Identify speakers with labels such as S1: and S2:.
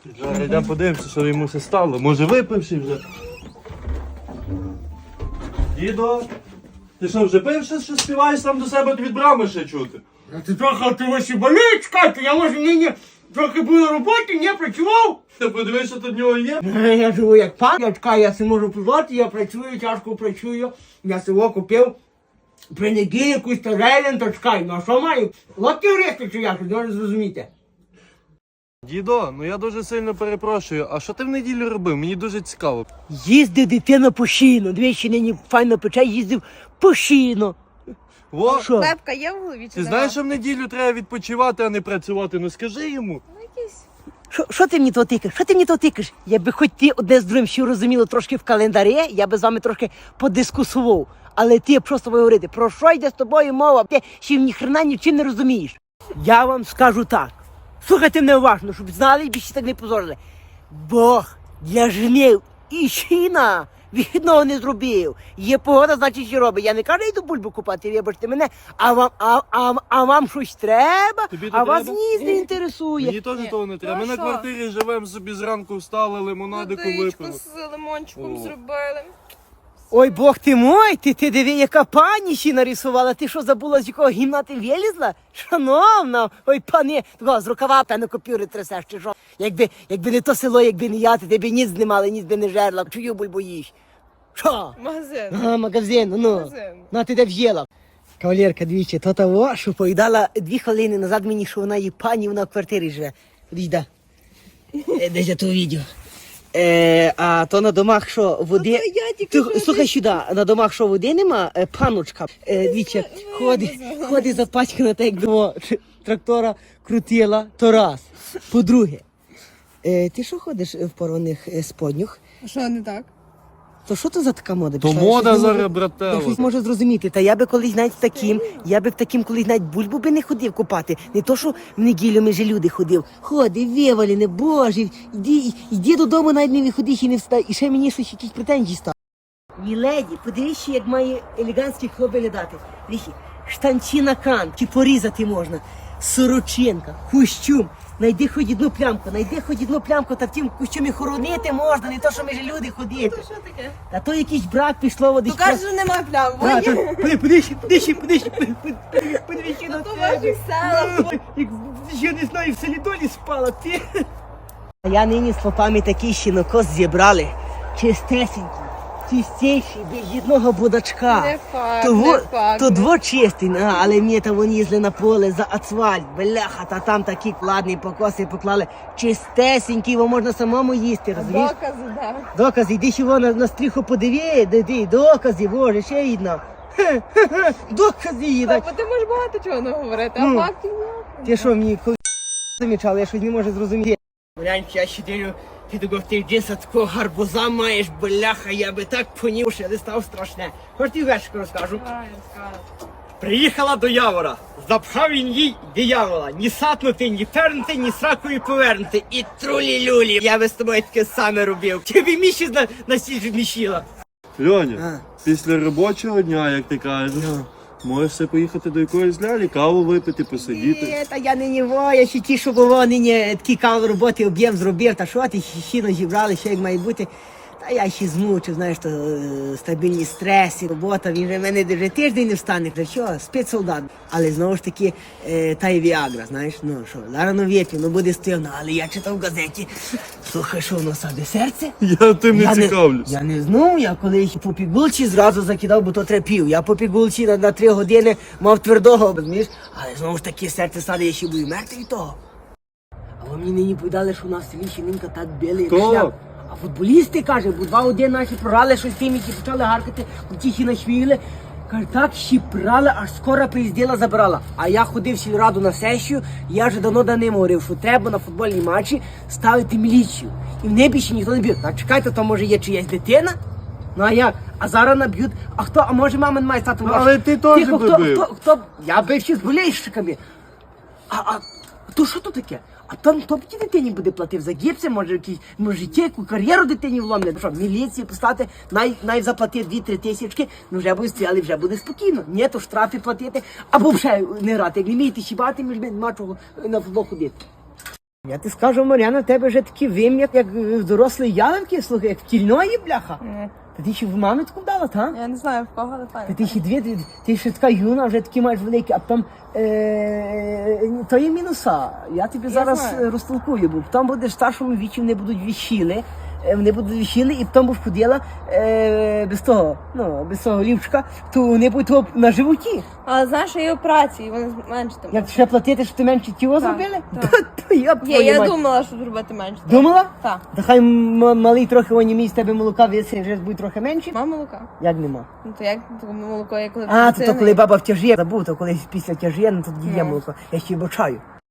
S1: Зараз йдемо подивимося, що йому все стало. Може випивши вже. Дідо, ти що, вже пивши, що співаєш там до себе від брами ще чути?
S2: А ти трохи ти ваші болить, чекайте, я може нині трохи був на роботі, не працював.
S1: Ти подивись, що тут в нього є.
S2: Я живу як пан, я чекаю, я си можу пивати, я працюю, тяжко працюю. Я село купив при неділі якусь тарелін, то чекай, ну а що маю? Лодки врізти чи як, не зрозуміти.
S1: Дідо, ну я дуже сильно перепрошую, а що ти в неділю робив? Мені дуже цікаво.
S3: Їздив дитина постійно, двічі нині файно пече, їздив постійно.
S1: Во,
S3: Що?
S4: Лепка є в голові чи
S1: ти
S4: нема?
S1: знаєш, що в неділю треба відпочивати, а не працювати? Ну скажи йому.
S4: Ну, якийсь.
S3: Що ти мені то тикаєш? Що ти мені то тикаєш? Якби хоч ти одне з другим ще розуміло трошки в календарі, я би з вами трошки подискусував. Але ти просто говорити, про що йде з тобою мова? Ти ще ніхрена нічим не розумієш. Я вам скажу так. Слухайте мене уважно, щоб знали і більше так не позорили. Бог для жнив і щіна відного не зробив. Є погода, значить, що робить. Я не кажу, йду бульбу купати, вибачте мене, а вам щось треба,
S1: Тобі то
S3: а вас
S1: треба?
S3: ніс не інтересує.
S1: Мені теж того не треба.
S4: Ну,
S1: Ми на
S4: що?
S1: квартирі живемо собі зранку встали, лимонадику
S4: Водичку
S1: випили.
S4: з лимончиком
S1: О.
S4: зробили.
S3: Ой, Бог ти мой, ти диви, яка пані ще нарисувала. Ти що, забула, з якого гімна ти вилізла? Шановна, ой, пані, такого з рукава, певно, копюри трясеш, чи що? Якби не то село, якби не я, ти тебе ніц не мали, ніц би не жерла. Чую бульбу їж. Що?
S4: Магазин.
S3: Ага, магазин, ну.
S4: Магазин.
S3: Ну, ти де в'їла. Кавалерка, двічі, то того, що повідала 2 хвилини назад мені, що вона є пані, вона в квартирі живе. Дійда. Десь я то відео. А то на домах, що води...
S4: Ну, то я тільки що
S3: Слухай сюди, на домах, що води нема, паночка, двічі, ходить запачкана, так як до трактора крутила, то раз. По-друге, ти що ходиш в порваних споднях?
S4: А що не так?
S3: То що то за така мода?
S1: То
S3: пішла?
S1: мода
S3: Я щось не
S1: зараз,
S3: можу-
S1: брателло.
S3: Я щось можу зрозуміти. Та я би колись навіть таким, колись навіть бульбу би не ходив купати. Не то, що в неділю ми же люди ходив. Ходи, вивалене, боже, йди додому, навіть не виходиш і не встай. І ще мені щось якісь претензії стали. Мій леді, подивіться, як має елегантський хлоп виглядати. Дивіться, штанці на кант, чи порізати можна. Сорочинка, костюм. Найди хоч одну плямку, та в тім костюмі хоронити можна, не то, що ми ж люди ходити.
S4: Що таке?
S3: Та то якийсь брак пішло води.
S4: Ну кажеш, що нема плям.
S3: Подивіться на
S4: То ваші села.
S3: Як я не знаю, в селі долі спала, ти. А я нині з попами такий щінокос зібрали. Чистесенький, чистіший, без одного будачка.
S4: Не факт,
S3: Того-
S4: не факт.
S3: То двочистий, але мені то вони їздили на поле за асфальт, бляха, та там такі кладні покоси поклали. Чистесенький, його можна самому їсти, розумієш?
S4: Докази, да.
S3: Докази, йди ще вон на стріху подиви, докази, боже, ще одна. Докази їдать.
S4: Бо ти можеш багато чого не говорити,
S3: Ну.
S4: а фактів ніяких.
S3: Ти що, мені коли замічали, я щось не можу зрозуміти. Глянь, я ще дивлю, ти такого в тих джинсах такого гарбуза маєш, бляха, я би так понів, що не став страшне. Хоч ти вершку розкажу. Приїхала до Явора, запхав він їй диявола, ні сатнути, ні пернути, ні сракою повернути. І трулі-люлі. Я би з тобою таке саме робив. Тобі міші на сіль мішіла.
S1: Льоня, після робочого дня, як ти кажеш, можеш ще поїхати до якоїсь лялі, каву випити, посидіти.
S3: Ні, та я нині я ще ті, що було нині такий кам роботи, об'єм зробив, та що ти щіно зібрали, що як має бути. Та я ще змучив, знаєш, то стабільні стреси, робота, він же в мене вже тиждень не встане, та що, спецсолдат. Але знову ж таки, та й Віагра, знаєш, ну що, рано ввечері, ну буде стивно, але я читав в газеті, слухай, що в нас саде серце?
S1: Я тим не цікавлюсь.
S3: Я не знав, я коли по пігулці зразу закидав, бо то трепів. Я по пігулці на 3 години мав твердого, розумієш? Але знову ж таки серце саде, я ще буду мертвий від того. А ви мені нині повідали, що у нас в селі Щінинка так били, як
S1: Так.
S3: шлях. А футболісти, каже, бо 2-1 наші програли, щось тим, які почали гаркати, ті нашвігли. Каже, так щіпрали, аж скоро приїздила, забирала. А я ходив в сільраду на сесію, я вже давно до ним говорив, що треба на футбольні матчі ставити міліцію. І в небі ще ніхто не б'є. Так чекайте, то може є чиясь дитина? Ну а як? А зараз наб'ють. А хто? А може мама не має стати
S1: Ну, але ти теж
S3: Тихо,
S1: би бив.
S3: хто? Я бив ще з болельщиками. А то що то таке? А там хто б ті дитині буде платив за гіпси, може життя, яку кар'єру дитині вломлять. Ну що, міліції поставити, най заплатити 2-3 тисячки, ну вже буде стріляли, вже буде спокійно. Ні, то штрафи платити, або вже не грати. Як не вмієте щібати, між нема чого на футбол ходити. Я ти скажу, Мар'яна, в тебе вже такий вим'ят, як дорослий ялинки, слухай, як в тільної, бляха. Та ти ще в мамитку вдала, та?
S4: Я не знаю в кого, але
S3: Та
S4: файно.
S3: ти ще дві, ти ще така юна, вже такі маєш великі, а потім то є мінуса. Я тобі зараз
S4: знаю.
S3: розтолкую, бо потім будеш в старшому віці, вони будуть віщили, і потім будеш ходила без того лівчика, то вони будуть того на животі.
S4: Але знаєш, що є операції, вони зменшити.
S3: Як ще платити, щоб ти менше тіло зробили?
S4: так.
S3: То я б твою
S4: Я
S3: мать.
S4: думала, що зробити менше.
S3: Думала?
S4: Так.
S3: Та хай малий трохи онімій з тебе молока висить, вже буде трохи менше.
S4: Мама молока.
S3: Як нема?
S4: Ну то як молоко, як коли
S3: А,
S4: дитина
S3: то коли
S4: є.
S3: баба в тяжі, забув, то коли після тяжі, ну тоді є
S4: Ну.
S3: молоко. Я ще й бачаю.